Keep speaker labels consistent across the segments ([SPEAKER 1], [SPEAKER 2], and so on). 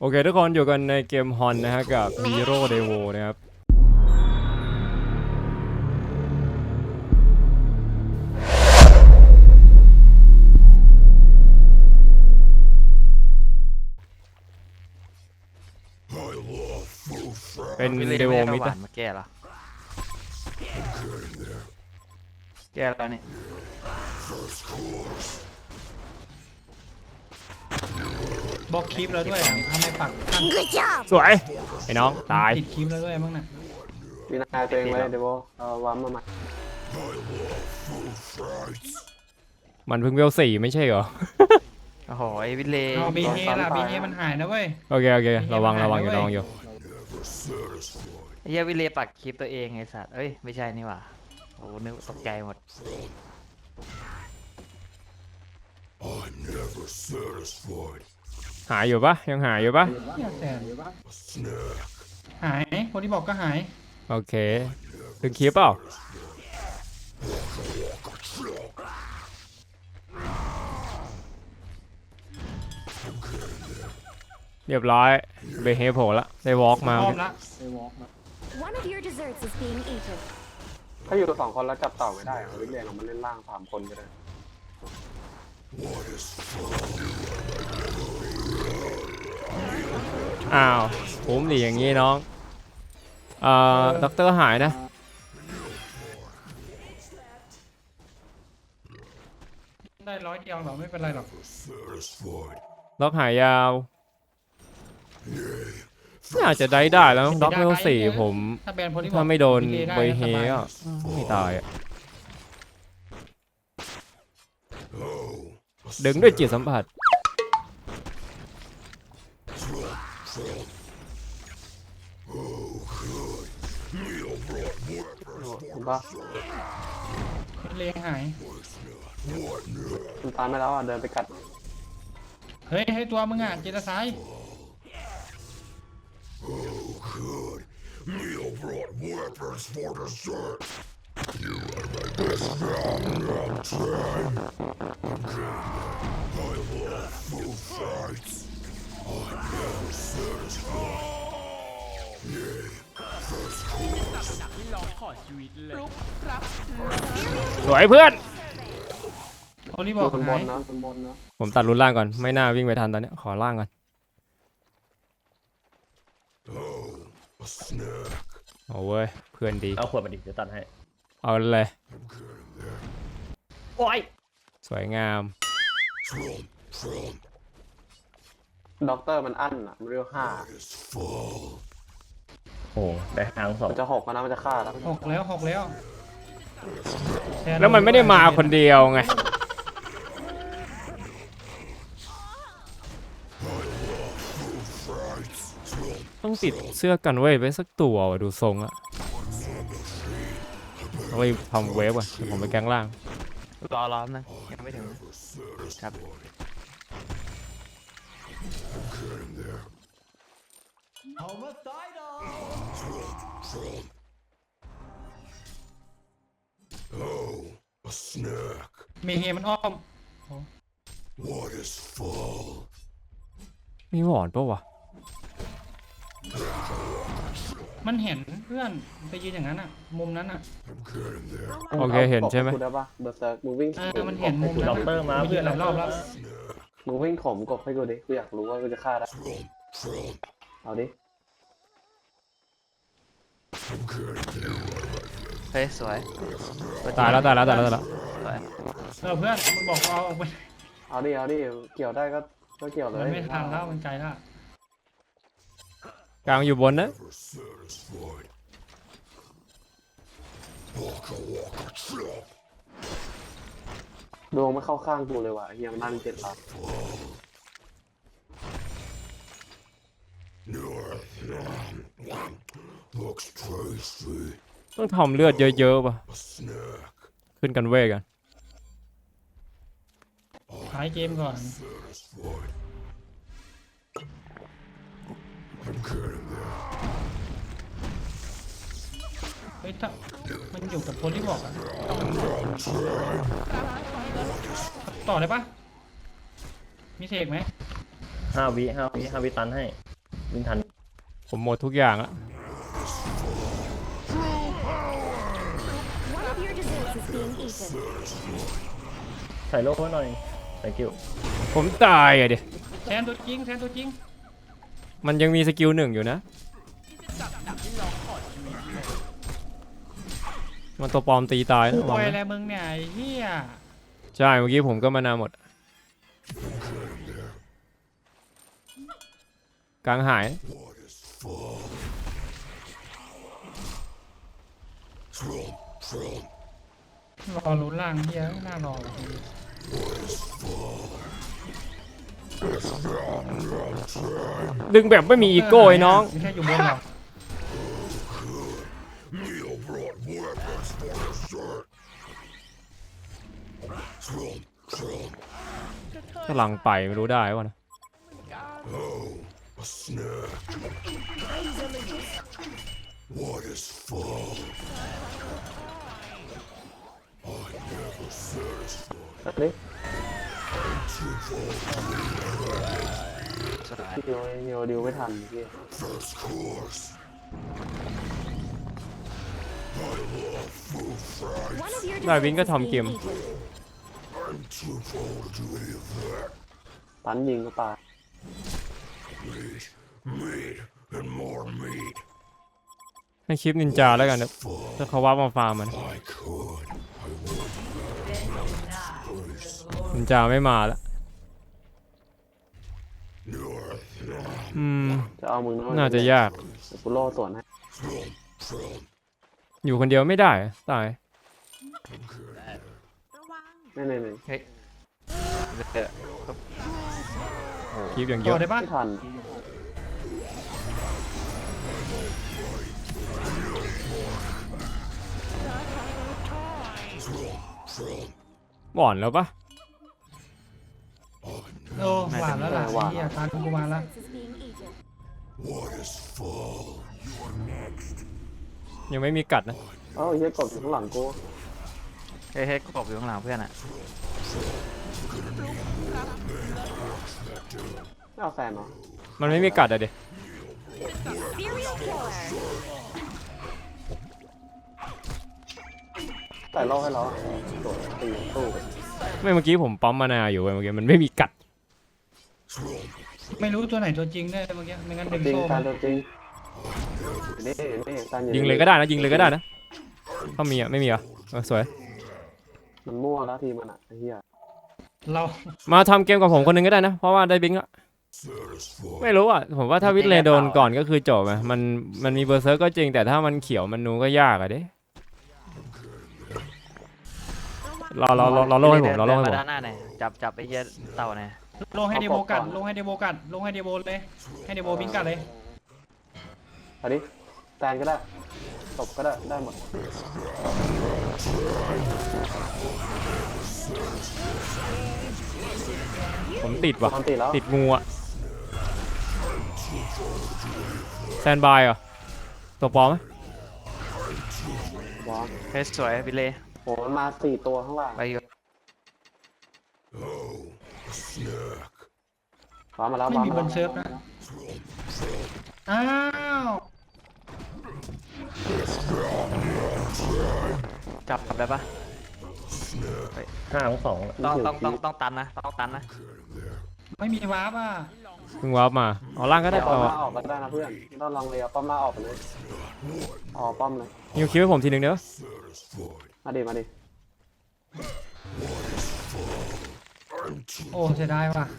[SPEAKER 1] โอเคทุกคนอยู่กันในเกมฮอนนะฮะกับ Hero Devo นะครับเป็นเดโวมิดนะ
[SPEAKER 2] มาแก้เหรอแก้แล้วนี่
[SPEAKER 3] บล็อกคลิปแล้วด้วยอ่ะทำไมปักขั้น
[SPEAKER 1] สวยไอ้น้องตาย
[SPEAKER 3] ติดคลิปแล้วด้วยมั้งน่ะ
[SPEAKER 4] วินาตัวเองไว้เดี๋ยววัมมาใหม่
[SPEAKER 1] มันเพิ่งเวล4ไม่ใช่เหรอ
[SPEAKER 2] โอ้โหไอ้วิเลย์
[SPEAKER 3] เอาบีเฮล่ะบีเฮมันหายนะเว้ย
[SPEAKER 1] โอเคระวังอยู่
[SPEAKER 2] ไอ้เหี้ยวิเลย์ปักคลิปตัวเองไอ้สัตว์เอ้ยไม่ใช่นี่หว่าโอ้นึกตกใจหมด
[SPEAKER 1] หายอยู่ปะยังหายอยู่ปะ
[SPEAKER 3] แต่หายคนที่บอกก็หาย
[SPEAKER 1] โอเคถึงคลิปเปล่าเรียบร้อยเบเฮโผล่ละได้วอล์กมา
[SPEAKER 3] พร้อมละ
[SPEAKER 5] One of your desserts is being eaten.
[SPEAKER 4] ถ้าอยู่2 คนแล้วจับเต่าไม่ได้วิเลียนเรามาเล่นล่าง3 คนก็ได้
[SPEAKER 1] อ้าวผมดีอย่างงี้น้องด็อกเตอร์หายนะ
[SPEAKER 3] ได้100 เดียวหรอไม่เป็นไรหรอก
[SPEAKER 1] ด็อกหายยาวน่าจะได้แล้วด็อกเวล4ผม
[SPEAKER 3] ถ้าแบนคนที่บอก
[SPEAKER 1] ถ้าไม่โดน
[SPEAKER 3] บี
[SPEAKER 1] เบ
[SPEAKER 3] ได้
[SPEAKER 1] เฮ
[SPEAKER 3] สบาย
[SPEAKER 1] ก็ไม่ตายอะดึงด้วยจิตสัมผัส
[SPEAKER 4] เห็นปะ
[SPEAKER 3] บีเลหาย
[SPEAKER 4] มันตายไม่แล้วเดินไปกัด
[SPEAKER 3] เฮ้ยให้ตัวมึงอ่ะเจตซ้าย
[SPEAKER 1] สวยเพื่อน
[SPEAKER 3] คนที่บอก
[SPEAKER 4] คนบ
[SPEAKER 3] หาย
[SPEAKER 4] นนะคนบนนะ
[SPEAKER 1] ผมตัดรุนล่างก่อนไม่น่าวิ่งไปทันตอนเนี้ยขอล่างก่อนโอ้เว้ยเพื่อนดี
[SPEAKER 6] เอาขวดมาดิเดี๋ยวตัดให้
[SPEAKER 1] เอาเลย
[SPEAKER 6] โอ้ย
[SPEAKER 1] สวยงาม
[SPEAKER 4] ด็อกเตอร์มันอั้นอ่ะมันเรียก5
[SPEAKER 6] โอ้ได้หางสอง
[SPEAKER 4] มันจะ6แล้วนะมันจะฆ่าแล้ว
[SPEAKER 3] 6 แล้ว
[SPEAKER 1] แล้วมันไม่ได้มาคนเดียวไงต้องติดเสื้อกันเว้ยไว้สักตัวว่ะดูทรงอะเอาไปทำเวฟอ่ะเดี๋ยวผมไปแกงล่าง
[SPEAKER 2] รอนึงยังไม่ถึงครับ
[SPEAKER 3] มีเฮมันอ้อม
[SPEAKER 1] มีหวอนปะวะ
[SPEAKER 3] มันเห็นเพื่อนไปยืนอย่างนั้นอ่ะมุมนั้นอ่ะ
[SPEAKER 1] โอเคเห็นใช่ไหม
[SPEAKER 4] กูได้ปะเบอร์เซิร์กมึงวิ่ง
[SPEAKER 3] มันเห็นมุมนั้น
[SPEAKER 6] ด็อกเตอร์มา
[SPEAKER 3] ยื
[SPEAKER 6] เพื่อน
[SPEAKER 3] นหลายรอบแล้ว
[SPEAKER 4] มึงวิ่งข่มกบให้กูดิกูอยากรู้ว่ากูจะฆ่าได้เอาดิ
[SPEAKER 2] เฮ้ยสวย
[SPEAKER 1] ตายแล้ว
[SPEAKER 2] สวย
[SPEAKER 3] เพื่อนมันบอกเอาออกไป
[SPEAKER 4] เอาดิเกี่ยวได้ก็เกี่ยวเลย
[SPEAKER 3] มันไม่ทันแล้วมันไกลแล้ว
[SPEAKER 1] กลางอยู่บนนะ
[SPEAKER 4] ดวงไม่เข้าข้างกูเลยว่ะเฮียมันนั่น7 ล้าน
[SPEAKER 1] ต้องทำเลือดเยอะๆป่ะขึ้นกันเวทกัน
[SPEAKER 3] ท้ายเกมก่อนเฮ้ยถ้ามันอยู่กับคนที่บอกอะต่อได้ปะมีเสกไหม
[SPEAKER 6] 5 วิตันให้วิ่งทัน
[SPEAKER 1] ผมหมดทุกอย่างแล้ว
[SPEAKER 5] One of your desserts is being eaten.
[SPEAKER 6] ใส่โลกไว้หน่อย thank you
[SPEAKER 1] ผมตายอ่ะดิ
[SPEAKER 3] แทนตัวจริงแทนตัวจริง
[SPEAKER 1] มันยังมีสกิล1อยู่นะ มันตัวปลอมตีตายนะ
[SPEAKER 3] กู
[SPEAKER 1] ระ
[SPEAKER 3] ป
[SPEAKER 1] วั
[SPEAKER 3] ล่
[SPEAKER 1] ง
[SPEAKER 3] อยอะไร
[SPEAKER 1] นะ
[SPEAKER 3] มึงเนี่ยไอ้เหี้ย
[SPEAKER 1] ใช่เมื่อกี้ผมก็มานาหมดกลางหาย
[SPEAKER 3] รอลุ้นล่างเหี้ยน่ารอว่ะ
[SPEAKER 1] ดึงแบบไม่มีอีโก้ไอ้น้อง
[SPEAKER 3] ไม่ใช่อยู่บนหรอก
[SPEAKER 1] กำลังไปไม่รู้ได้วะนะ
[SPEAKER 4] ตัดดิฮิวดิวไม่ทันพี่
[SPEAKER 5] One of your
[SPEAKER 1] ได้วิน
[SPEAKER 5] desserts
[SPEAKER 1] ก็
[SPEAKER 5] is
[SPEAKER 1] ทำเก
[SPEAKER 5] being
[SPEAKER 1] ม
[SPEAKER 5] eaten.
[SPEAKER 4] ตันยิงก็ตาย
[SPEAKER 1] ให้คลิปนินจาแล้วกันนะถ้าเขาว่ามาฟาร์มมันนินจาไม่มาแล้ว
[SPEAKER 4] จะเอามึง
[SPEAKER 1] น่าจะยาก
[SPEAKER 4] เดี๋ยวกูโล่สวนให้
[SPEAKER 1] อยู่คนเดียวไม่ได้อะตาย
[SPEAKER 4] ไม่
[SPEAKER 2] เฮ้ยเดอะ
[SPEAKER 1] คลิปอย่างเย
[SPEAKER 3] ต่อ
[SPEAKER 1] อะ
[SPEAKER 3] ได้ปะ
[SPEAKER 4] ไม่ทัน
[SPEAKER 1] บ่อนแล้วปะ
[SPEAKER 3] โอ้หวานแล้วล่ะไอ้เหี้ยตามกูมาแล้ว
[SPEAKER 5] Desserts is being eaten.
[SPEAKER 1] ยังไม่มีกัดนะ
[SPEAKER 4] เอ้าเฮียกดอยู่ข้างหลังกู
[SPEAKER 2] เฮ้ยกบอยู่ข้างหลังเพื่อนอ่ะ
[SPEAKER 4] ไม่เอาแฟนเหรอ
[SPEAKER 1] มันไม่มีกัดอะเด็
[SPEAKER 5] Serial killer.
[SPEAKER 4] ใส่โล่ให้เราโดดตีตู้
[SPEAKER 1] ไม่เมื่อกี้ผมปั๊มมานาอยู่เว้ยเมื่อกี้มันไม่มีกัด
[SPEAKER 3] ไม่รู้ตัวไหนตัวจริงได้เมื่อกี้ไม่งั้นดึง
[SPEAKER 4] จริง
[SPEAKER 3] โซ่
[SPEAKER 4] กา
[SPEAKER 3] มา
[SPEAKER 4] รจริงนี่การ
[SPEAKER 1] ยิงเลยก็ได้นะยิงเลยก็ได้นะถ้ามีอ่ะไม่มีอ่ะสวย
[SPEAKER 4] มันมั่วแล้วทีมันอ่ะไอ้เหี้ย
[SPEAKER 3] เรา
[SPEAKER 1] มาทำเกมกับผมคนหนึงก็ได้นะเพราะว่าได้บิงแล้วไม่รู้อ่ะผมว่าถ้าวิทเลโดนก่อนก็คือจบอ่ะมันมีเบอร์เซอร์ก็จริงแต่ถ้ามันเขียวมันนูก็ยากอ่ะเด้รอโล่ให้ผมรอโล่ให้ผม
[SPEAKER 2] ด้านหน้าหน่อยจับไอ้เหี้ยเต่าหน่อย
[SPEAKER 3] ลงให้เดโบกัดลงให้เดโบกัดลงให้เดโบเลยให้เดโบบิงกัดเลย
[SPEAKER 4] เอาดิแตนก็ได้ตบก็ได้ได้หมด
[SPEAKER 1] ผมติดว่ะ
[SPEAKER 4] มันติดแล้ว
[SPEAKER 1] ติดงูอ่ะแซนบายเหรอตัวปลอมไหม
[SPEAKER 4] วาง
[SPEAKER 2] เฮ้ยสวยพี่เล่
[SPEAKER 4] โหมันมา4 ตัวข้างล่าง
[SPEAKER 2] ไปอยู่
[SPEAKER 4] ว้ามาแล้ว
[SPEAKER 3] ไม่มีบนเซิร์ฟนะอ้าว
[SPEAKER 2] จับได้ปะ
[SPEAKER 6] 5 2
[SPEAKER 2] ต้องตันนะต้องตันนะ
[SPEAKER 3] ไม่มีวาร์ปอ่ะ
[SPEAKER 1] เพิ่งวาร์ปมาเอาล่างก็ได้
[SPEAKER 4] ป้อ
[SPEAKER 1] เอา
[SPEAKER 4] มมาออกก็ได้นะเพื่อนต้องลองเลยเอาป้อมมาออกไปเลยอ๋อป้อมเลย
[SPEAKER 1] ฮิวคิวให้ผมทีหนึ่งเด้อ
[SPEAKER 4] มาดิ
[SPEAKER 3] โอ้เสียดายว่ะ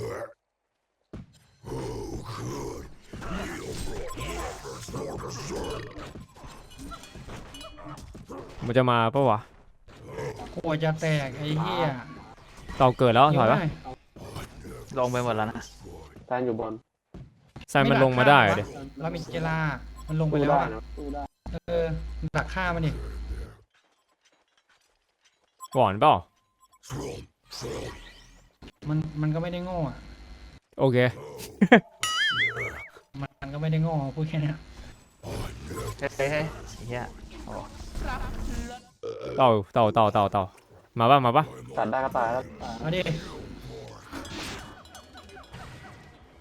[SPEAKER 1] มันจะมาปะวะ
[SPEAKER 3] โอ้จะแตกไอ้เหี้ย
[SPEAKER 1] เต่าเกิดแล้วถอยปะ
[SPEAKER 2] ลงไปหมดแล้วนะ
[SPEAKER 4] แตนอยู่บน
[SPEAKER 1] แซนมันลงมาได้อะเดี๋ย
[SPEAKER 3] เรามีเจลามันลงไป
[SPEAKER 4] สู้
[SPEAKER 3] แล้ว
[SPEAKER 4] ได้
[SPEAKER 3] อ่ะ
[SPEAKER 4] นะสู้ได้
[SPEAKER 3] เออดักฆ่ามันดิ
[SPEAKER 1] ก่อนเปล่า
[SPEAKER 3] มันก็ไม่ได้โง่อ่ะ
[SPEAKER 1] โอเค
[SPEAKER 3] มันก็ไม่ได้โง่พูดแค่เนี้ย
[SPEAKER 2] เฮ้ยไอ้เหี้ยโอ้
[SPEAKER 1] เต่ามาปะ
[SPEAKER 4] ตัดได้ก็ตายแล้ว
[SPEAKER 3] เอาดิ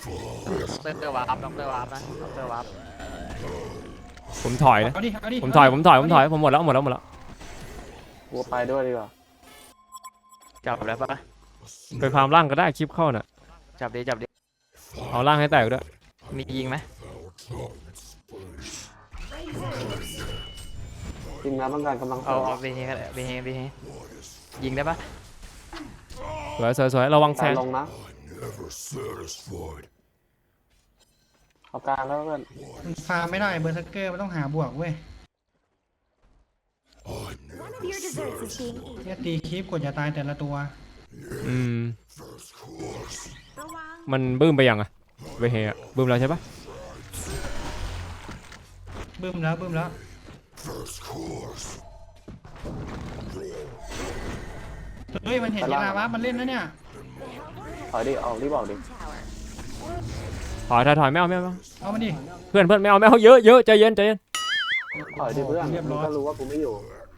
[SPEAKER 2] ด็อกเตอร์วาร์ปด็อกเตอร์วาร์ปนะด็อกเตอร์วาร์ป
[SPEAKER 1] ผมถอยนะ
[SPEAKER 3] เอาดิเอาดิ
[SPEAKER 1] ผมถอยผมหมดแล้ว
[SPEAKER 4] กูไปด้วยดีกว่า
[SPEAKER 2] จับแล้วปะ
[SPEAKER 1] ไปฟาร์มล่างก็ได้คลิปเข้าน่ะ
[SPEAKER 2] จับดิ
[SPEAKER 1] เอาล่างให้แตกด้วย
[SPEAKER 2] มียิงไหม
[SPEAKER 4] ทีมงานต้องการกำลังเส
[SPEAKER 2] เอา
[SPEAKER 4] ริม
[SPEAKER 2] เอาไปเฮกันไปเฮยิงได้ปะ
[SPEAKER 1] สวยระวังแซ
[SPEAKER 4] การ
[SPEAKER 1] น
[SPEAKER 4] ลงนะเอากลางแล้วเพื่อน
[SPEAKER 3] มันฟาร์มไม่ได้เบอร์เซอร์เกอร์มันต้องหาบวกเว้ย
[SPEAKER 5] One of your desserts is being eaten.
[SPEAKER 3] เนี่ยตีคลิปกดอย่าตายแต่ละตัว
[SPEAKER 1] อืม
[SPEAKER 5] ระวัง
[SPEAKER 1] มันบึ้มไปยังอะเวเฮอะบึ้มแล้วใช่ปะ
[SPEAKER 3] บึ้มแล้วเฮ้ยมันเห็นยีราวะมันเล่นนะเนี่ย
[SPEAKER 4] ถอยดิออกรีบออกดิ
[SPEAKER 5] Tower.
[SPEAKER 1] ถอยไม่เอา
[SPEAKER 3] เอามันดิ
[SPEAKER 1] เพื่อนไม่เอาเยอะใจเย็น
[SPEAKER 4] ถอยดิเพื่อน
[SPEAKER 3] เรียบร้
[SPEAKER 4] มึ
[SPEAKER 3] อง ย
[SPEAKER 4] ก็รู้ว่ากูไม่อยู่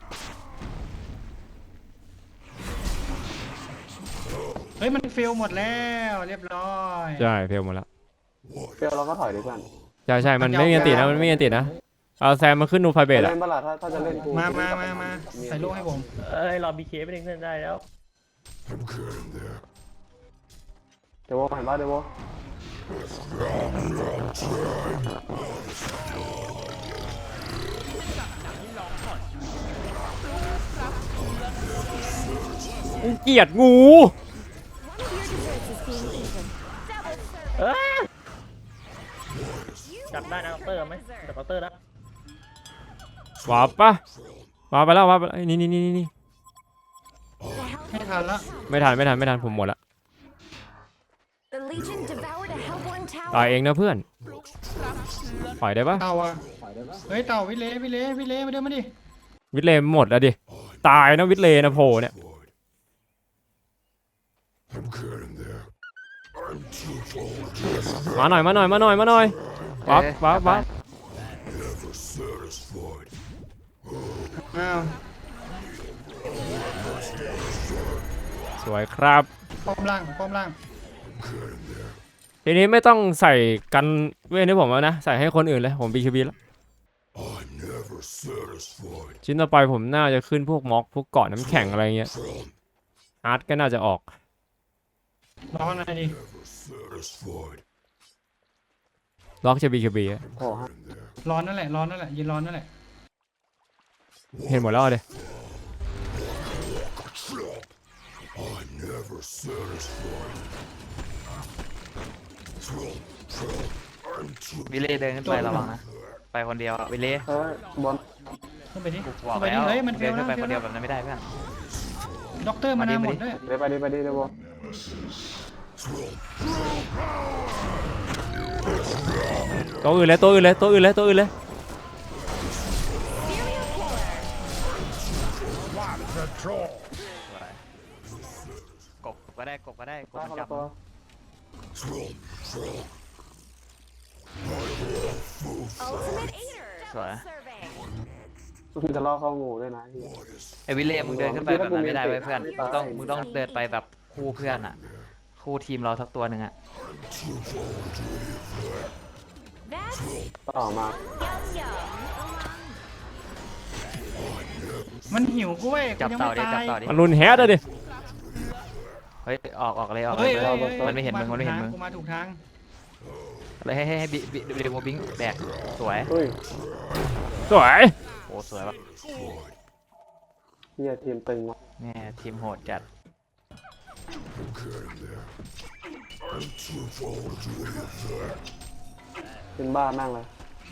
[SPEAKER 3] เฮ้ยมันเฟลหมดแล้วเรียบร้อย
[SPEAKER 1] ใช่เฟลหมดแล้ว
[SPEAKER 4] เฟลเราก็ถอยดิเพื่อน
[SPEAKER 1] ใช่มันไม่มีอันติดนะเอาแซมมาขึ้นนูไฟเบต
[SPEAKER 4] จะ
[SPEAKER 1] อะ
[SPEAKER 4] เล่นบ้าล่ะถ้าจะเล่นกู
[SPEAKER 3] มาใส่ลูกให้ผม
[SPEAKER 6] เอ้ยรอบีเคไปเล่นได้แล้ว
[SPEAKER 4] เดี๋ยวโวเห็นป่ะเดี๋ยวโว
[SPEAKER 1] เกลียดงู
[SPEAKER 5] One of your desserts is being eaten.
[SPEAKER 6] เอ้ยจับได้นะด็อกเตอร์ไหมจับด็อกเตอร์แล้ว
[SPEAKER 1] วาร์ปไปแล้วนี่
[SPEAKER 5] The hell
[SPEAKER 3] ให้ทันละ
[SPEAKER 1] ไม่ทันผมหมดละ
[SPEAKER 5] The Legion devoured a Hellborn
[SPEAKER 1] ตาย
[SPEAKER 5] tower.
[SPEAKER 1] เองนะเพื่อนปล่อยได้ปะ
[SPEAKER 3] เต่าอ่ะเฮ้ยเต่าวิเล่มาเดินมาดิ
[SPEAKER 1] วิทเลหมดแล้วดิตายนะวิทเลนะโผล่เนี่ยมาหน่อยวับ
[SPEAKER 3] อ้าว
[SPEAKER 1] สวยครับ
[SPEAKER 3] ป้อมล่าง
[SPEAKER 1] ทีนี้ไม่ต้องใส่กันเว้นให้ผมแล้วนะใส่ให้คนอื่นเลยผม BKB แล้วชิ้นต่อไปผมน่าจะขึ้นพวกม็อกพวกเกาะน้ำแข็งอะไรเงี้ยอาร์ตก็น่าจะออก
[SPEAKER 3] รอหน่อยดิ
[SPEAKER 1] ล็อกจะ BKB อะ
[SPEAKER 4] โอ้ฮะ
[SPEAKER 3] ร้อนนั่นแหละยืนร้อนนั่นแหละ
[SPEAKER 1] เห็นหมดแล้วดิ
[SPEAKER 2] วิเล่เดินขึ้นไประวังนะไปคนเดียวอะวิเล่
[SPEAKER 4] เฮ้ยบอล
[SPEAKER 3] ขึ้นไปดิ
[SPEAKER 2] กูบอก
[SPEAKER 3] ขึ้นไป
[SPEAKER 2] แล้
[SPEAKER 3] ดิ
[SPEAKER 2] ว
[SPEAKER 3] เฮ้ยมันเฟ
[SPEAKER 2] เดิ
[SPEAKER 3] ล
[SPEAKER 2] น
[SPEAKER 3] แล้
[SPEAKER 2] ขึ้
[SPEAKER 3] วน
[SPEAKER 2] ไปคนเดียวแบบนั้นไม่ได้เพื่อน
[SPEAKER 3] ด็อกเตอร์มานาหมดด้วย
[SPEAKER 4] เดี๋ยวไปดิเดี๋ยวโว
[SPEAKER 1] ตัวอื่นเลย
[SPEAKER 2] กบก็ได้กบ
[SPEAKER 4] ได้
[SPEAKER 2] มัน
[SPEAKER 4] คน
[SPEAKER 2] จั
[SPEAKER 4] ละ
[SPEAKER 2] บ
[SPEAKER 4] ตัว
[SPEAKER 5] Ultimate Eater.
[SPEAKER 2] Sorry.
[SPEAKER 5] Double serving.
[SPEAKER 4] มึงจะล่อเข้างูด้วยนะที่
[SPEAKER 2] ไอ้วิเล่มึงเดินขึ้นไปแบบนั้นไม่ได้เว้ยเพื่อนมึงต้องเดินไปแบบคู่เพื่อนอ่ะคู่ทีมเราสักตัวหนึ่งอ่ะ
[SPEAKER 5] That's
[SPEAKER 4] ต่อมา
[SPEAKER 5] yum yum.
[SPEAKER 3] มันหิวกูเว้ยกู
[SPEAKER 2] จับ
[SPEAKER 3] ยัง
[SPEAKER 2] ต่อ
[SPEAKER 3] ไม่
[SPEAKER 2] ดิจับ
[SPEAKER 3] ตาย
[SPEAKER 2] ต่อดิ
[SPEAKER 1] มันรุนแฮดอะดิ
[SPEAKER 2] เฮ้ยออกเลย
[SPEAKER 3] เฮ้ย
[SPEAKER 2] มันไม่เห็นมึงมึง
[SPEAKER 3] กูมาถูกทาง
[SPEAKER 2] เลยให้บิโมบิงแบกสวย
[SPEAKER 4] เฮ้ย
[SPEAKER 1] สวย
[SPEAKER 2] โอ้สวยว่ะ
[SPEAKER 4] เฮียทีมตึงว่ะ
[SPEAKER 2] แม่ทีมโหดจัด
[SPEAKER 4] เป็นบ้านั่งเลย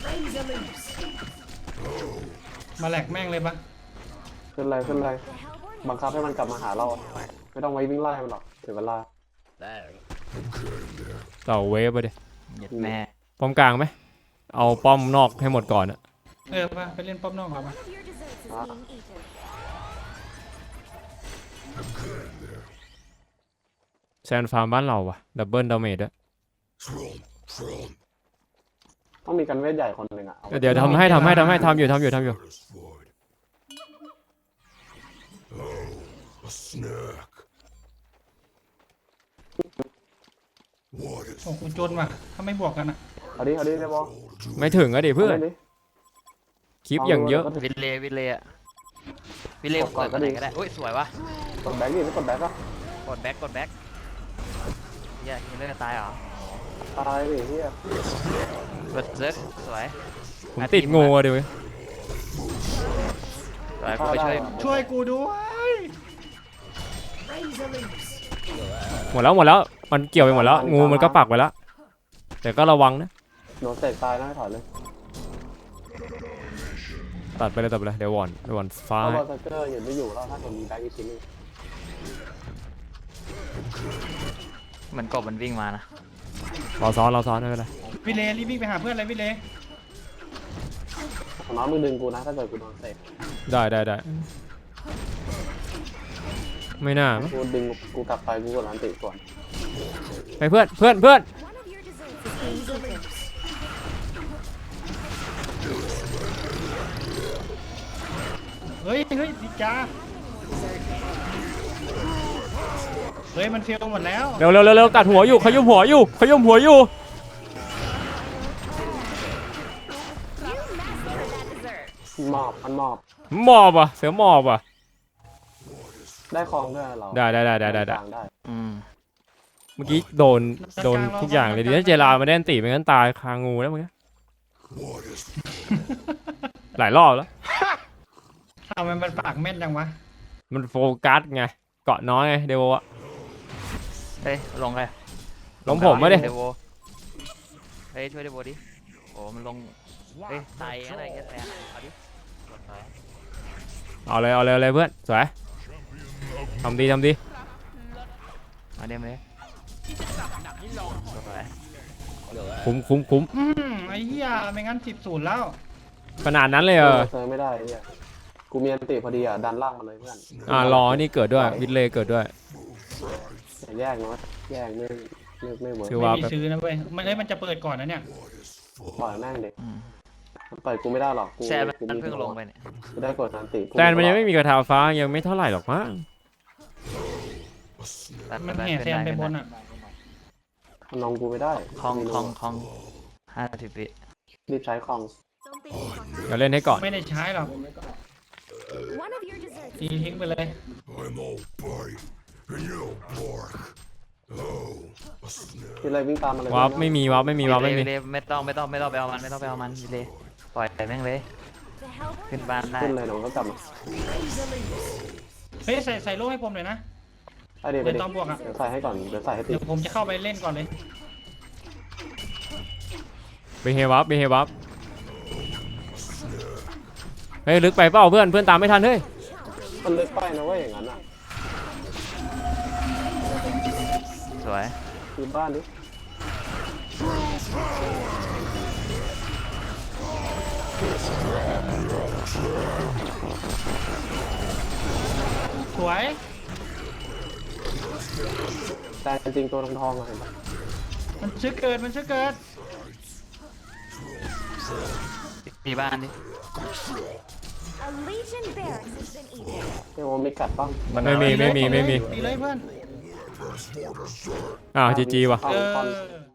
[SPEAKER 3] มาแหลกแม่งเลยปะ
[SPEAKER 4] ขึ้นเลย
[SPEAKER 5] The Hellborn
[SPEAKER 4] บังคับให้มันกลับมาหาเราไม่ต้องไว้วิ่งไล่มันหรอกถึงเวลา
[SPEAKER 1] ต่อเวฟไปดิ
[SPEAKER 2] เหยียดแม่
[SPEAKER 1] ป้อมกลางไหมเอาป้อมนอกให้หมดก่อนอะ
[SPEAKER 3] ปะไปเล่นป้อมนอกก่อนปะ
[SPEAKER 5] One of your desserts is being eaten.
[SPEAKER 1] แซนฟาร์มบ้านเราอะดับเบิลดาเมจอะ
[SPEAKER 4] ต้องมีกันเวทใหญ่คนหนึ่งอ่ะเอา
[SPEAKER 1] เดี๋ยวทำอยู่ ว
[SPEAKER 3] โอ้กูจนว่ะถ้าไม่บวกกันอ่ะ
[SPEAKER 4] เอาดิได้บอล
[SPEAKER 1] ไม่ถึงอะดิเพื่อน
[SPEAKER 4] าล่ดิ
[SPEAKER 1] คลิปอย่างเยอะ
[SPEAKER 2] วินเลย์อะวินเลย์เปิดตัวไหนก็ได้อุ้ยสวยวะ
[SPEAKER 4] กดแบ็กดิไม่กดแบ็กอะ
[SPEAKER 2] กดแบ็คเฮียยิงเล่นกันตายเหรอ
[SPEAKER 4] ตายดิเฮีย
[SPEAKER 2] เบิร์ดเซิร์ฟสวย
[SPEAKER 1] ผมติดงูอะดิเว้ย
[SPEAKER 2] สวยกูไปช่วย
[SPEAKER 3] ช่วยกูด้วย
[SPEAKER 1] หมดแล้วมันเกี่ยวไปหมดแล้วงูมันก็ปักไปแล้วแต่ก็ระวังนะ
[SPEAKER 4] โดนเตะตายนะให้ถอยเลย
[SPEAKER 1] ตัดไปเลยเดี๋ยววอนฟ้า
[SPEAKER 4] เพราะ
[SPEAKER 1] ให้
[SPEAKER 4] ว่าสเกอร์ยังไม่อยู่แล้วถ้าผมมีแบ็กอีกชิ้นนึง
[SPEAKER 2] เหมือนกบมันวิ่งมานะ
[SPEAKER 1] เราซ้อนไม่เป็นไร
[SPEAKER 3] วิเลรีบวิ่งไปหาเพื่อนเลยวิเล
[SPEAKER 4] น้องมึงดึงกูนะถ้าเกิดกูโดนเตะ
[SPEAKER 1] ได้ไม่น่ามั้ง
[SPEAKER 4] กูดึงกูกลับไปกูกดร้านติก่อน
[SPEAKER 1] ไปเพื่อน
[SPEAKER 5] One of your desserts is being delivered.
[SPEAKER 3] เฮ้ยดิจ้าเฮ้ยมันเฟลหมดแล้ว
[SPEAKER 1] เร็วตัดหัวอยู่ขยุ่มหัวอยู่
[SPEAKER 5] You mastered that dessert.
[SPEAKER 4] หมอบมันหมอบ
[SPEAKER 1] หมอบอ่ะเสือหมอบอ่ะ
[SPEAKER 4] ได้คลองด้วยเรา
[SPEAKER 1] ได้
[SPEAKER 4] กลางได้
[SPEAKER 2] อืม
[SPEAKER 1] เมื่อกี้โดนทุกอย่างเลยดีถ้าเจรามาแดนตีไม่งั้นตายคางูแล้วมึงหลายรอบแล้ว
[SPEAKER 3] ทำไมมันปากแม่นจังวะ
[SPEAKER 1] มันโฟกัสไงเกาะน้อยไงเดวอะ
[SPEAKER 2] เฮ้ยลงเลย
[SPEAKER 1] ลงผมไม่ได้
[SPEAKER 2] เดโวเฮ้ยช่วยเดโวดิโอ้มันลงเฮ้ยตายอะไรแค่แพ้เอาดิกดไป
[SPEAKER 1] เอาเลยเพื่อนสวยทำดี
[SPEAKER 2] มาเดมเลยกดไป
[SPEAKER 1] คุ้ม
[SPEAKER 3] ไอ้เหี้ยไม่งั้น10-0แล้ว
[SPEAKER 1] ขนาดนั้นเลยเหรอ
[SPEAKER 4] เซิร์ฟไม่ได้เนี่ยกูมีอันติพอดีอ่ะดันล่างมาเลยเพื่อน
[SPEAKER 1] รอนี่เกิดด้วยวิดเลย์เกิดด้วย
[SPEAKER 4] อย่าแยกเนาะแยกไม่เวิร์ก
[SPEAKER 1] คือ
[SPEAKER 3] ไม่
[SPEAKER 1] ว่า
[SPEAKER 3] มีซื้อนะเว้ยมันจะเปิดก่อนนะเนี่ย
[SPEAKER 4] ปล่อยแม่งเด็ก
[SPEAKER 2] อืม
[SPEAKER 4] มันเปิดกูไม่ได้หรอกกู
[SPEAKER 2] แซม
[SPEAKER 4] กู
[SPEAKER 2] มันเพิ่งลงไปเนี่ย
[SPEAKER 4] กูได้กดอันติ
[SPEAKER 1] แตนมันยังไม่มีกระทาฟ้ายังไม่เท่าไหร่หรอกมั้ง
[SPEAKER 3] มันแห่แซมไปบนอ่ะ
[SPEAKER 4] มันลงกูไม่ได้
[SPEAKER 2] คลอง50 วิ
[SPEAKER 4] รีบใช้คลอง
[SPEAKER 1] เราเล่นให้ก่อน
[SPEAKER 3] ไม่ได้ใช้หรอก
[SPEAKER 5] One of your desserts
[SPEAKER 3] ตีทิ้งไปเลย
[SPEAKER 4] ที่ไรวิ่งตามมาเลย
[SPEAKER 1] วาร์ปไม่มี
[SPEAKER 2] วิเลย์ไม่ต้องไปเอามันวิเลย์ปล่อยแม่งเลย
[SPEAKER 5] to help
[SPEAKER 2] ขึ้นบ้านได้
[SPEAKER 4] ขึ้นเลยหนูก็กลับมา
[SPEAKER 3] เฮ้ยใส่โล่ให้ผมหน่อยนะ
[SPEAKER 4] ไอเดี๋ยว
[SPEAKER 3] เดี๋ยวตอนบวกอะ
[SPEAKER 4] เดี๋ยวใส่ให้ก่อนเดี๋ยวใส่ให้ติ
[SPEAKER 3] เดี๋ยวผมจะเข้าไปเล่นก่อนเลย
[SPEAKER 1] ไปเฮวับเฮ้ยลึกไปเปล่าเพื่อนตามไม่ทันเฮ้ย
[SPEAKER 4] มันลึกไปนะเว้ยอย่างนั้นอ่ะ
[SPEAKER 2] สวย
[SPEAKER 4] คือบ้านดิ
[SPEAKER 3] สวย
[SPEAKER 4] แต่จริงๆตัวทองๆอะเห็นปะ
[SPEAKER 3] มันชื่อเกิด
[SPEAKER 2] ตีบ้านดิ
[SPEAKER 5] a legion barracks has been eaten.
[SPEAKER 4] เรียกว่ามีกัดป้อง
[SPEAKER 1] ไม่มี
[SPEAKER 3] ตีเลยเพื่อน
[SPEAKER 1] จีว่ะ
[SPEAKER 4] คอน
[SPEAKER 3] เอ
[SPEAKER 4] คอน
[SPEAKER 3] อ